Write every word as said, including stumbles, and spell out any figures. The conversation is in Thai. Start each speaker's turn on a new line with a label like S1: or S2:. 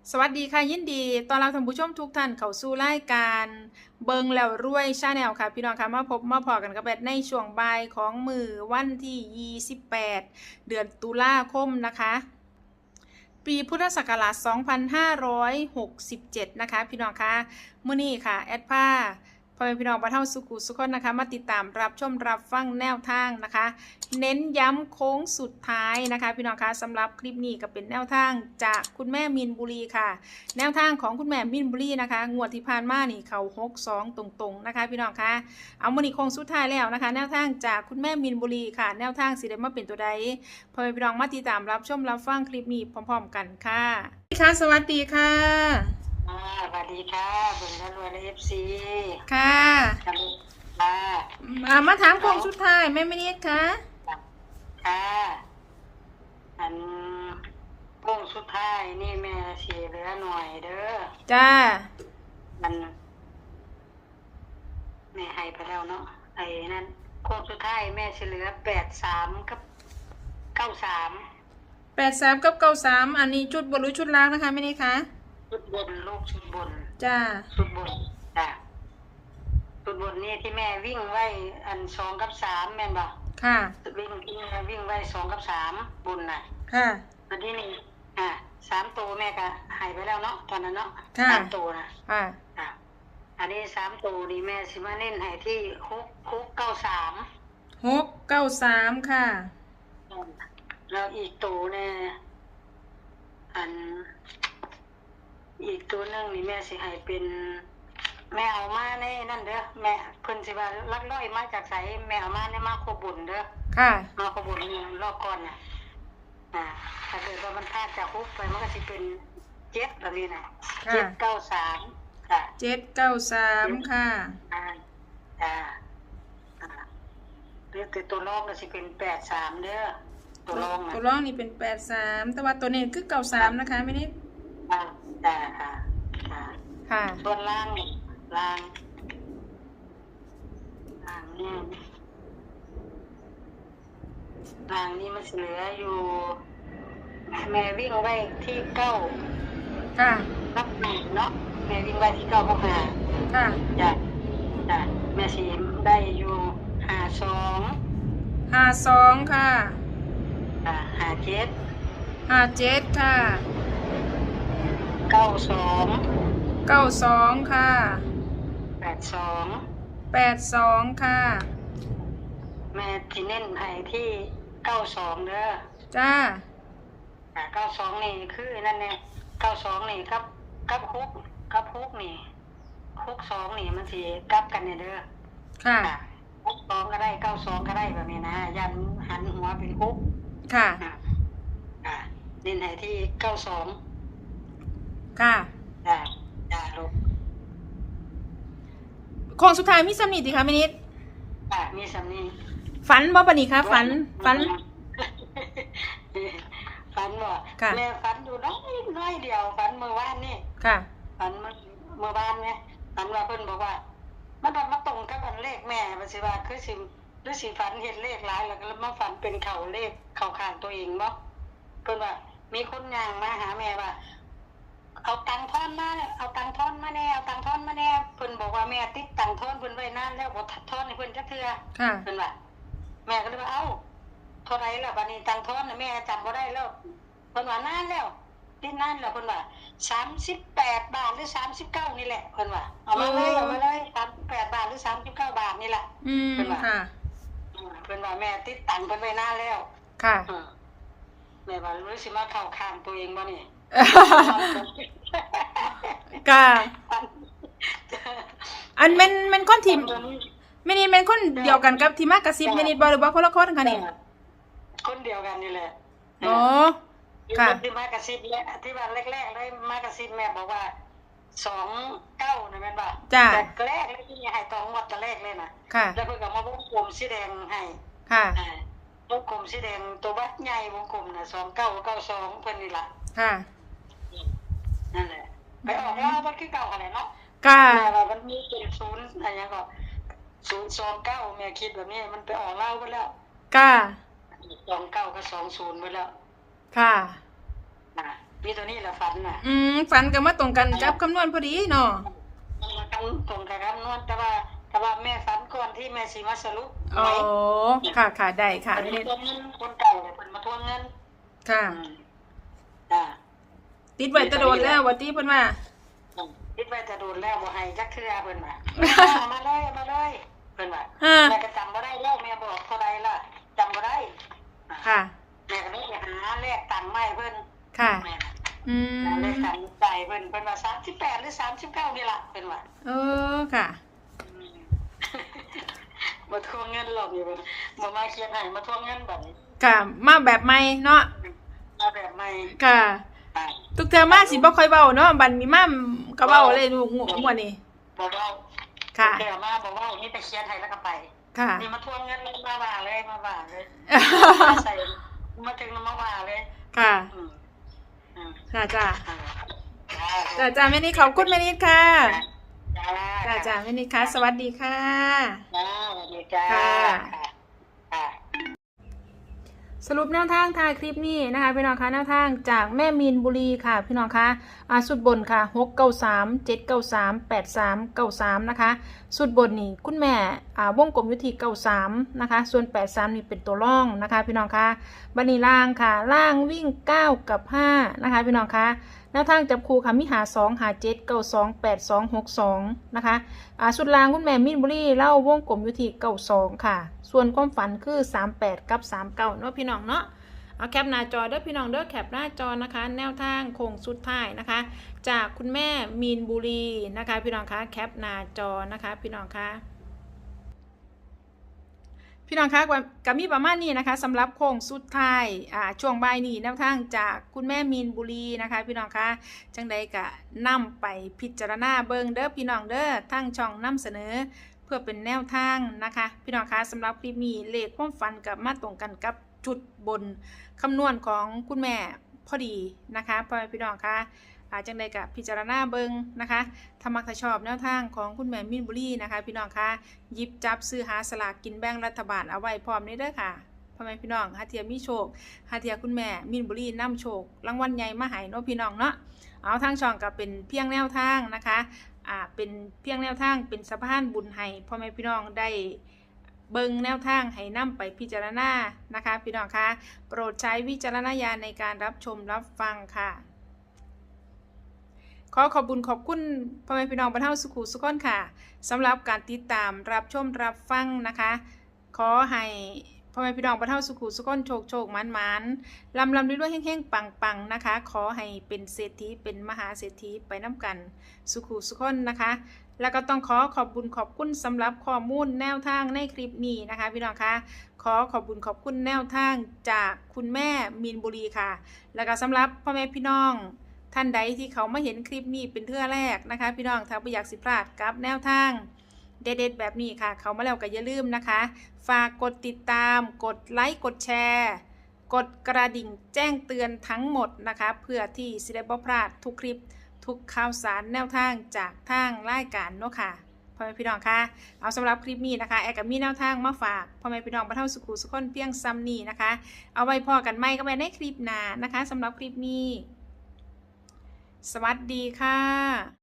S1: สวัสดีค่ะยินดีตอนรับท่านผู้ชมทุกท่านเข้าสู่รายการเบิงแล้วรวยชาแนลค่ะพี่น้องค่ะมาพบมาพอกันกับแบทในช่วงบ่ายของมือวันที่ยี่สิบแปดเดือนตุลาคมนะคะปีพุทธศักราชสองพันห้าร้อยหกสิบเจ็ดนะคะพี่น้องคะมื้อนี้ค่ะแอดผ้าพ่อแม่พี่น้องบ้านเฮาสุขุสุขคนนะคะมาติดตามรับชมรับฟังแนวทางนะคะเน้นย้ำโค้งสุดท้ายนะคะพี่น้องคะสำหรับคลิปนี้ก็เป็นแนวทางจากคุณแม่มินบุรีค่ะแนวทางของคุณแม่มินบุรีนะคะงวดที่ผ่านมานี่เขาหกสองตรงๆนะคะพี่น้องคะเอามื้อนี้โค้งสุดท้ายแล้วนะคะแนวทางจากคุณแม่มินบุรีค่ะแนวทางสิได้มาเป็นตัวใดพ่อแม่พี่น้องมาติดตามรับชมรับฟังคลิปนี้พร้อมๆกันค่ะค่ะสวัสดีค่ะ
S2: อ่าสวัสดีค่ะเบิ่งแล้วรวยในเอฟซี
S1: ค่ะ
S2: ค่ะ
S1: มามาถามโค้งสุดท้ายแม่ไม่นิดค่ะ
S2: ค่ะอันโค้งสุดท้ายนี่แม่สีเหลือหน่อยเด้อ
S1: จ้า
S2: มันแม่ให้ไปแล้วเนาะไอ้นั่นโค้งสุดท้ายแม่สีเหลือแปดสามกับเก้าสาม
S1: แปดสามกับเก้าสามอันนี้ชุดบนหรือชุดล่างนะคะไม่นิดค่ะ
S2: ชุดบนลูกชุดบน
S1: จ้า
S2: ชุดบนจ้าชุดบนนี่ที่แม่วิ่งไว้อันสองกับสามแม่นบ่
S1: ค่ะ
S2: วิ่งวิ่งวิ่งไว้สองกับสามบนน่ะ
S1: ค่ะ
S2: อันนี้นี่อ่าสามตัวแม่ก็หายไปแล้วเนาะตอนนั้นเนาะ
S1: ส
S2: ามตัวนะ
S1: ค่ะ
S2: อ่าอันนี้สามตัวนี่แม่สิมาเน้นให้ที่หกหกเก้าสาม
S1: หกเก้าสามค่ะ
S2: แล้วอีกตัวเนี่ยอันอีกตัวหนึ่งนี่แม่สิให้เป็นแม่เอามาในนั่นเด้อแม่เพิ่นสิว่าลักลอยมาจากไสแม่เอามาในมาโคบุญเด้อ
S1: ค่ะ
S2: มาโคบุญนี่รอบก่อนน่ะอ่าถ้าเกิดว่ามันพลาดจากฮุกไปมันก็สิเป็นเจ็ดแบบนี้น่ะเจ็ดเก้าสามค่ะ
S1: เจ็ดเก้าสามค่ะ
S2: อ่าอ่าอ่าเรียกตัวรองก็สิเป็นแปดสามเด้อตัวรอง
S1: ตัวรองนี่เป็นแปดสามแต่ว่าตัวนี้คือเก้าสามนะคะไม่นิด
S2: อ่าจ้าค่ะค่ะ
S1: ค่ะ
S2: ส่วนล่างนี่ล่างล่างนี่ล่างนี่มันเหลืออยู่แม่วิ่งไว้ที่เก้า
S1: ค่ะ
S2: รับหนึ่งเนาะแม่วิ่งไว้ที่เก้ากับห้า
S1: ค่ะ
S2: จ้ะจ้ะแม่สีได้อยู่ห้าสอง
S1: ห้าสองค่ะ
S2: อ่าห้าเจ็ด
S1: ห้าเจ็ดค่ะ
S2: เก้าสอง
S1: เก้าสองค่ะ
S2: แปดสอง
S1: แปดสองค่ะ
S2: แม่ที่เน้นให้ที่เก้าสองเด้อ
S1: จ้า
S2: อ่าเก้าสองนี่คือนั่นเนี่ยเก้าสองนี่กับกับฮุกกับฮุกนี่ฮุกสองนี่มันสิกับกันเนี่ยเด้อ
S1: ค่ะ
S2: ฮุกสองก็ได้เก้าสองก็ได้แบบนี้นะยันหันหัวเป็นฮุก
S1: ค่ะ
S2: อ่าเน้นให้ที่เก้าสอง
S1: ค่ะ
S2: จ้าจ้าลูก
S1: โค้งสุดท้ายมีสำนีติคะไม่นิด
S2: อ่ามีสำนี
S1: ฝันบ่ปะนี่คะฝันฝัน
S2: ฝันบ่แม่ฝันอยู่น้อยน้อยเดียวฝันเมื่อวานนี่
S1: ค่ะ
S2: ฝันเมื่อเมื่อวานเนี่ยฝันว่าเพิ่นบอกว่ามันดันมาตรงกับอันเลขแม่ว่าสิว่าคือสิหรือสิฝันเห็นเลขหลายแล้วก็มาฝันเป็นเข่าเลขเข่าข้างตัวเองบ่เพิ่นว่ามีคนย่างมาหาแม่ว่าเอาตังค์ทอนมาเอาตังค์ทอนมาแน่เอาตังค์ทอนมาแน่เพิ่นบอกว่าแม่ติดตังค์ทอนเพิ่นไว้นานแล้วบ่ทอนให้เพิ่นจักเทื่อเพิ่นว่าแม่ก็เลยว่าเอ้าเท่าไรล่ะบัดนี้ตังค์ทอนน่ะแม่จำบ่ได้แล้วเพิ่นว่านานแล้วติดนานแล้วเพิ่นว่าสามสิบแปดบาทหรือสามสิบเก้านี่แหละเพิ่นว่าเอามาเลยเอามาเลยสามสิบแปดบาทหรือสามสิบเก้าบาทนี่แหละ
S1: เพิ่นว่าค่ะ
S2: เพิ่นว่าแม่ติดตังค์เพิ่นไว้นานแล้ว
S1: ค่ะ
S2: แม่ว่ารู้สิมาเข้าข้างตัวเองบ่นี่
S1: กะอันเป็นเป็นคนทีมไม่นี่เป็นคนเดียวกันกับที่มากระซิบไม่นี่บ่หรือว่าคนละคนคะนี่
S2: คนเดียวกันนี่แหละ
S1: อ๋อค่ะ
S2: ที่มากระซิบและที่ว่าแรกๆเลยมากระซิบแม่บอกว่าสองเก้านะแม่นบ่แต่แรกเลยที่ให้ตองหมดแต่แรกเลยนะแล้วเพิ่นก็มาวงกลมสีแดงให้
S1: ค่ะ
S2: วงกลมสีแดงตัววัดใหญ่วงกลมน่ะสองเก้าเก้าสองเพิ่นนี่ล่ะ
S1: ค่ะ
S2: นั่นแหละไปออกแล้วมันคือเก่ากันแหละเนาะ
S1: ค่ะ
S2: แม่ว่ามันมีเจ็ดศูนย์อะไรอย่างก็ศูนย์สองเก้าแม่คิดแบบนี้มันไปออกเล่าไปแล้ว
S1: ค่ะ
S2: สองเก้าก็สองศูนย์ไปแล้ว
S1: ค่ะ
S2: นะมีตัวนี้แหละฝันน่ะ
S1: อืมฝันก็มาตรงกันกับคำนวณพอดีเนาะ
S2: มันมาตรงตรงกับคำนวณแต่ว่าแต่ว่าแม่ฝันก่อนที่แม่สิมาสรุป
S1: อ๋อค่ะค่ะได้ค่ะ
S2: เป็น
S1: นี่
S2: มาทวงเงินคนเก่าเนี่ยเป็นมาทวงเงิน
S1: ค่ะ
S2: อืมอ่า
S1: ติดไว้แตะโดนแล้วว่าติเพิ่นว่า
S2: คิดว่าจะโดนแล้วบ่ให้จักเทื่อเพิ่นว่าเอามาเลยเอามาเลยเพิ่นว่า
S1: อ่า
S2: แม่ก็จำบ่ได้แล้วแม่บอกเท่าใดล่ะจำบ่ได้อ่า
S1: ค่ะ
S2: แม่ก็เลยไปหาเลขตังค์ใหม่เพิ่น
S1: ค่ะ
S2: แม่น่ะ
S1: อืม
S2: หาเลขตังค์ใจเพิ่นเพิ่นว่าสามสิบแปดหรือสามสิบเก้านี่ล่ะเพิ่นว่า
S1: เออค่ะ
S2: อืม มาทวงเงินหรอกอยู่เพิ่นบ่มาเคลียร์ให้มาทวงเงินแบบนี้
S1: ค่ะมาแบบใหม่เนาะ
S2: มาแบบใหม่
S1: ค่ะ
S2: อ่า
S1: ทุกเทอมมาสิบ่ค่อยเว้าเนาะบัดมีมาก็เว้าเลยลูกงวดนี้
S2: บอกว่า
S1: ค่ะ
S2: เดี๋ยวมาบอกว่านี่ไปเคลียร์ให้แล้วก็ไป
S1: ค่ะ
S2: นี่มาทวงเงินมาว่าเลยมาว่าเลยใส่มาถึงมาว่าเลย
S1: ค่ะ
S2: อืมอืม
S1: ค่ะจ้า
S2: อ่า
S1: จ้าจ้าแม่นิดขอบคุณแม่นิดค่ะ
S2: จ้า
S1: จ้าจ้าแม่นิดค่ะสวัสดีค่ะ
S2: จ้าสวัสดีจ้า
S1: ค่ะ
S2: ค่ะ
S1: สรุปแนวทางท้ายคลิปนี้นะคะพี่น้องคะแนวทางจากแม่มีนบุรีค่ะพี่น้องคะอ่าสุดบนค่ะหกเก้าสามเจ็ดเก้าสามแปดสามเก้าสามนะคะสุดบนนี่คุณแม่อ่าวงกลมอยุทีเก้าสามนะคะส่วนแปดสามนี่เป็นตัวร่องนะคะพี่น้องคะบันนี้ล่างค่ะล่างวิ่งเก้ากับห้านะคะพี่น้องคะแนวทางจับคู่ค่ะมิหาสองหาเจ็ดเก้าสองแปดสองหกสองนะคะอ่าสุดล่างคุณแม่มีนบุรีเล่าวงกลมอยุทีเก้าสองค่ะส่วนความฝันคือสามแปดกับสามเก้าเนาะพี่น้องเนาะ เอาแคปหน้าจอเด้อพี่น้องเด้อแคปหน้าจอนะคะแนวทางโค้งสุดท้ายนะคะจากคุณแม่มีนบุรีนะคะพี่น้องคะแคปหน้าจอนะคะพี่น้องคะพี่น้องคะกับมีประมาณนี้นะคะสำหรับโค้งสุดท้ายอ่าช่วงบ่ายนี้แนวทางจากคุณแม่มีนบุรีนะคะพี่น้องคะจังใดกะนำไปพิจารณาเบิงเด้อพี่น้องเด้อทั้งช่องนำเสนอเพื่อเป็นแนวทางนะคะพี่น้องคะสำหรับคลิปนี้เลขความฝันกับมาตรงกันกับจุดบนคำนวณของคุณแม่พอดีนะคะพ่อแม่พี่น้องคะอาจังใดกับพิจารณาเบิงนะคะถ้ามักถ้าชอบแนวทางของคุณแม่มินบุรีนะคะพี่น้องคะหยิบจับซื้อหาสลากกินแบ่งรัฐบาลเอาไว้พร้อมนี้เด้อค่ะพ่อแม่พี่น้องหาเทียมีโชคหาเทียคุณแม่มินบุรีนำโชครางวัลใหญ่มาให้เนาะพี่น้องเนาะเอาทางช่องก็เป็นเพียงแนวทางนะคะอ่าเป็นเพียงแนวทางเป็นสะพานบุญให้พ่อแม่พี่น้องได้เบิ่งแนวทางให้นำไปพิจารณานะคะพี่น้องคะโปรดใช้วิจารณญาณในการรับชมรับฟังค่ะขอขอบคุญขอบคุณพ่อแม่พี่น้องบรรเทาสุขุสุขคนค่ะสำหรับการติดตามรับชมรับฟังนะคะขอให้พ่อแม่พี่น้องบรรเทาสุขุสุขคนโชคโชคมันมันลำลำด้วยๆแห้งๆปังๆนะคะขอให้เป็นเศรษฐีเป็นมหาเศรษฐีไปน้ำกันสุขุสุขคนนะคะแล้วก็ต้องขอขอบคุญขอบคุณสำหรับข้อมูลแนวทางในคลิปนี้นะคะพี่น้องคะขอขอบคุญขอบคุณแนวทางจากคุณแม่มีนบุรีค่ะแล้วก็สำหรับพ่อแม่พี่น้องท่านใดที่เขามาเห็นคลิปนี้เป็นเทื่อแรกนะคะพี่น้องถ้าไม่อยากสิพลาดกับแนวทางเด็ดๆแบบนี้ค่ะเขามาแล้วก็อย่าลืมนะคะฝากกดติดตามกดไลค์กดแชร์กดกระดิ่งแจ้งเตือนทั้งหมดนะคะเพื่อที่สิได้บ่พลาดทุกคลิปทุกข่าวสารแนวทางจากทางรายการเนาะค่ะพ่อแม่พี่น้องคะเอาสำหรับคลิปนี้นะคะแอร์กับมีแนวทางมาฝากพ่อแม่พี่น้องบรรเทาสุขุสุขคนเพียงซ้ำนี้นะคะเอาไว้พอกันไหมก็ไปในคลิปหน้านะคะสำหรับคลิปนี้สวัสดีค่ะ